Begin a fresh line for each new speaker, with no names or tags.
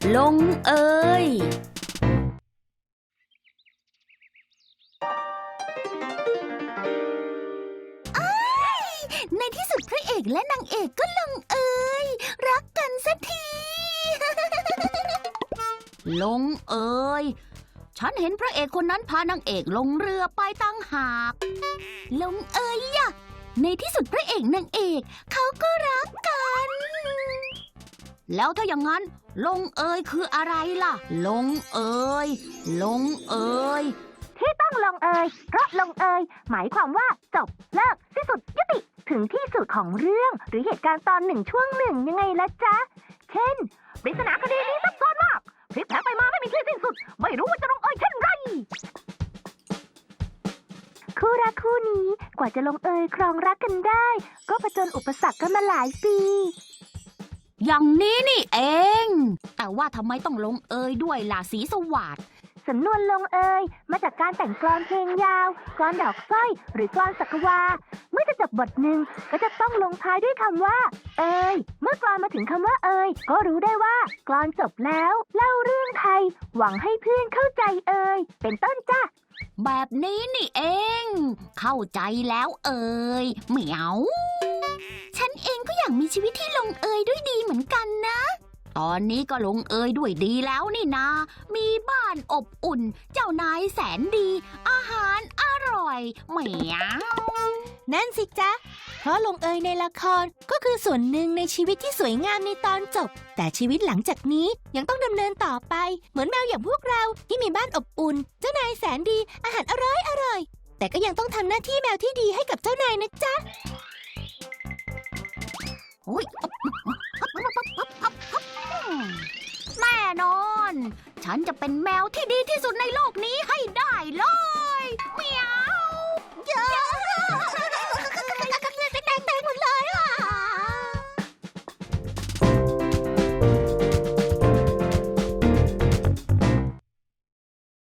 ลงเอย
ในที่สุดพระเอกและนางเอกก็ลงเอยรักกันสักที
ลงเอยฉันเห็นพระเอกคนนั้นพานางเอกลงเรือไปตั้งหาก
ลงเอยอะในที่สุดพระเอกนางเอกเขาก็รักกัน
แล้วถ้าอย่างนั้นลงเอยคืออะไรล่ะลงเอยลงเอย
ที่ต้องลงเอยเพราะลงเอยหมายความว่าจบเลิกสิ้นสุดยุติถึงที่สุดของเรื่องหรือเหตุการณ์ตอนหนึ่งช่วงหนึ่งยังไงล่ะจ๊ะเช่นปริศนาคดีนี้ซับซ้อนมากพลิกแผลงไปมาไม่มีที่สิ้นสุดไม่รู้ว่าจะลงเอยเช่นไรคู่รักคู่นี้กว่าจะลงเอยครองรักกันได้ก็ผจญอุปสรรคกันมาหลายปี
อย่างนี้นี่เอง แต่ว่าทำไมต้องลงเอยด้วยล่ะสีสวัสดิ์
สำนวนลงเอยมาจากการแต่งกลอนเพลงยาวกลอนดอกสร้อยหรือกลอนสักวาเมื่อจะจบบทหนึ่งก็จะต้องลงท้ายด้วยคำว่าเอยเมื่อกลอนมาถึงคำว่าเอยก็รู้ได้ว่ากลอนจบแล้วเล่าเรื่องไทยหวังให้เพื่อนเข้าใจเอยเป็นต้นจ้ะ
แบบนี้นี่เองเข้าใจแล้วเอยเหมียว
ฉันเองก็อยากมีชีวิตที่ลงเอยด้วยดีเหมือนกันนะ
ตอนนี้ก็ลงเอยด้วยดีแล้วนี่นามีบ้านอบอุ่นเจ้านายแสนดีอาหารอร่อยเหมียว
นั่นสิจ๊ะเพราะลงเอยในละครก็คือส่วนหนึ่งในชีวิตที่สวยงามในตอนจบแต่ชีวิตหลังจากนี้ยังต้องดำเนินต่อไปเหมือนแมวอย่างพวกเราที่มีบ้านอบอุ่นเจ้านายแสนดีอาหารอร่อยแต่ก็ยังต้องทำหน้าที่แมวที่ดีให้กับเจ้านายนะจ๊ะ
แน่นอนฉันจะเป็นแมวที่ดีที่สุดในโลกนี้ให้ได้เลยเหมียว